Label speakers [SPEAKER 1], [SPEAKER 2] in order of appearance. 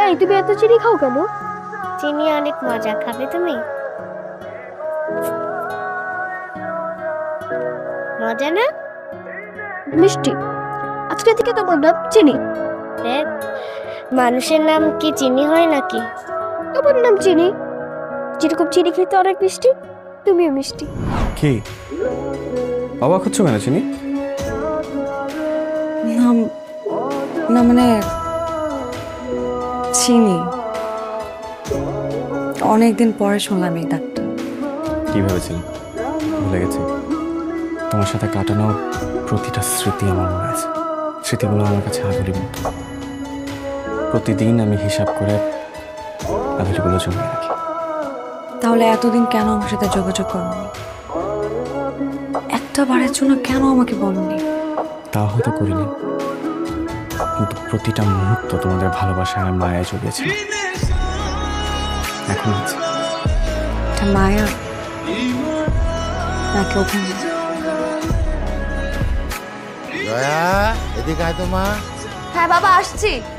[SPEAKER 1] এই তুমি এত চিনি খাও কেন?
[SPEAKER 2] চিনি অনেক মজা, খাবে তুমি? মজা না?
[SPEAKER 1] মিষ্টি। আজকে থেকে তোমার নাম চিনি।
[SPEAKER 2] দেখ, মানুষের নাম কি চিনি হয় নাকি?
[SPEAKER 1] তোমার নাম চিনি। যেরকম চিনি খেতে অনেক মিষ্টি, তুমিও মিষ্টি।
[SPEAKER 3] কি অবাক হচ্ছ কেন চিনি?
[SPEAKER 4] না না মানে চিনি অনেকদিন পরে শুনলাম এই ডাকটা।
[SPEAKER 3] কি ভেবেছিলাম ভুলে গেছি? তোমার সাথে কাটানো প্রতিটা স্মৃতি আমার মনে আছে। স্মৃতিগুলো আমার কাছে আদুরির মতো। প্রতিদিন আমি হিসাব করে আদুরিগুলো জমিয়ে রাখি।
[SPEAKER 4] তাহলে এতদিন কেন আমার সাথে যোগাযোগ করনি? একটা বারের জন্য কেন আমাকে বলনি?
[SPEAKER 3] তা হয়তো করিনি, কিন্তু প্রতিটা মুহূর্ত তোমাদের ভালোবাসায় আর মায়ায় জড়িয়েছে। এখন আছে
[SPEAKER 4] এটা মায়া নাকি অভিনয়?
[SPEAKER 5] জয়া, এদিকে আয় তো মা।
[SPEAKER 1] হ্যাঁ বাবা, আসছি।